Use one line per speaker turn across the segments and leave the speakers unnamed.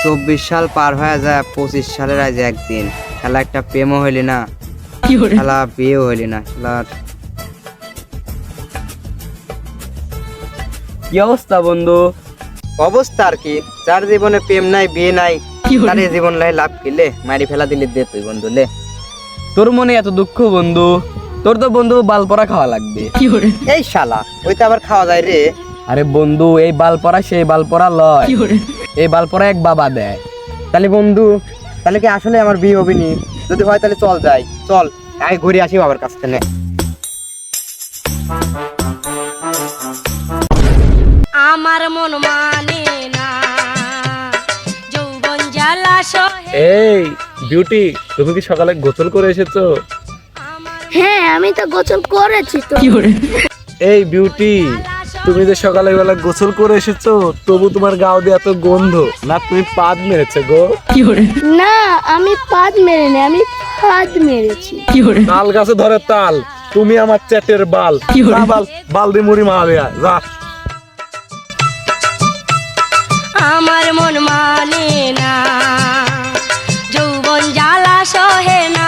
24 সাল পার হয়ে যায়, 25 সালের আজ একদিন। শালা একটা প্রেমও হইলি না, শালা বিয়েও হইলি না। শালার
কি অবস্থা বন্ধু?
অবস্থা আর কি, যার জীবনে প্রেম নাই বিয়ে নাই তার এই জীবন লাই লাভ কিলে মারি ফেলা দিলে দে তুই বন্ধু লে।
তোর মনে এত দুঃখ বন্ধু? তোর তো বন্ধু বালপরা খাওয়া লাগবে।
এই শালা ওইটা আবার খাওয়া যায় রে?
আরে বন্ধু, এই বালপরা সেই বালপরা লয়, এই বালপরা এক বাবা দেয়।
তাহলে বন্ধু, তাহলে কি আসলে আমার বিয়ে হবে নি? যদি হয় তাহলে চল যাই, চল আগে ঘুরে আসি বাবার কাছ থেকে।
আমার মন মানে না যৌবন জ্বালা সহে।
এই বিউটি, তুমি কি সকালে গোসল করে এসেছো?
হ্যাঁ, আমি তো গোসল করেছি তো।
এই বিউটি, তুমি যে সকালে বেলা গোসল করে এসেছো, তবু তোমার গাও দিয়ে এত গন্ধ। না তুমি পাদ মেরেছো গো?
না, আমি পাদ মেরিনি, আমি ফাদ মেরেছি।
তাল গাছে ধরে তাল, তুমি আমার চ্যাটের বাল। যা বাল, বাল দিয়ে মুড়ি মারাবে যা।
আমার মন মানে না যৌবন জ্বালা সহে না।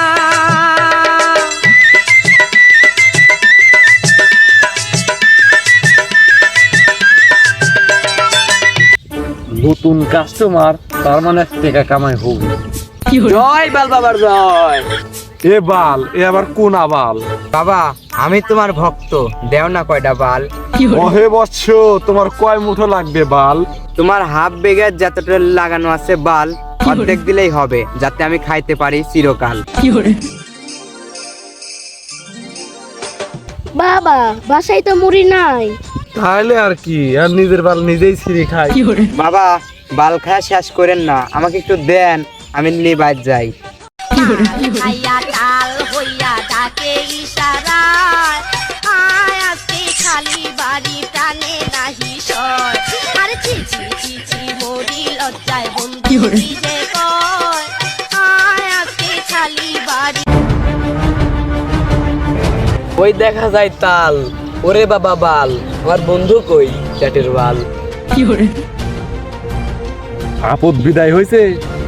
নতুন কাস্টমার, তার মানে টাকা কামাই হবে।
জয় বাল বাবার জয়।
এ বাল, এ আবার কোন আবাল?
বাবা আমি তোমার ভক্ত, দেও না কয়টা বাল।
ওহে বৎস, তোমার কয় মুঠো লাগবে বাল?
তোমার হাফ বেগের যতটা লাগানো আছে বাল অর্ধেক দিলেই হবে, যাতে আমি খাইতে পারি চিরকাল।
বাবা, বাসায় তো মুড়ি নাই।
তাহলে আর কি, আর নিজের বাল নিজেই ছিঁড়ে খাই।
বাবা বাল খায়া শেষ করেন না, আমাকে একটু দেন, আমি নিয়ে বাইর যাই।
খাইয়া তাল হইয়া ডাকে ইশারায়, আয় আজকে খালি বাড়ি টানে নাহি সয়। আর ছি ছি ছি ছি মরি লজ্জায় বন্ধু কি যে কয়, আয় আজকে খালি বাড়ি।
ওই দেখা যায় তাল, ওরে বাবা বাল, আমার বন্ধু কই চ্যাটের বাল।
আপদ বিদায় হয়েছে।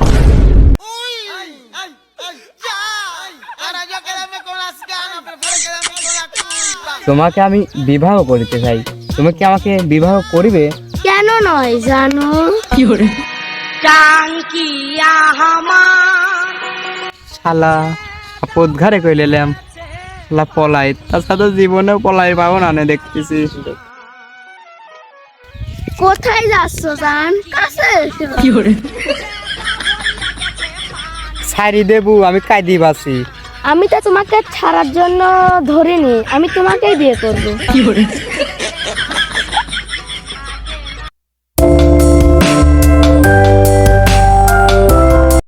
তোমাকে আমি বিবাহ করিতে চাই, তুমি কি আমাকে বিবাহ করিবে?
কেন নয় জানো?
টাঙ্কিয়া আমার
শালা আপদ ঘরে কই লেলাম, শালা পলাই, তার সাথে জীবনেও পলাই পাবো না নে দেখতেছি।
কোথায় যাচ্ছ জান? কাছে এসো।
ছাড়ি দেবু, আমি কাঁদি বাসি।
আমি তো তোমাকে ছাড়ার জন্য ধরিনি, আমি তোমাকেই বিয়ে করবো।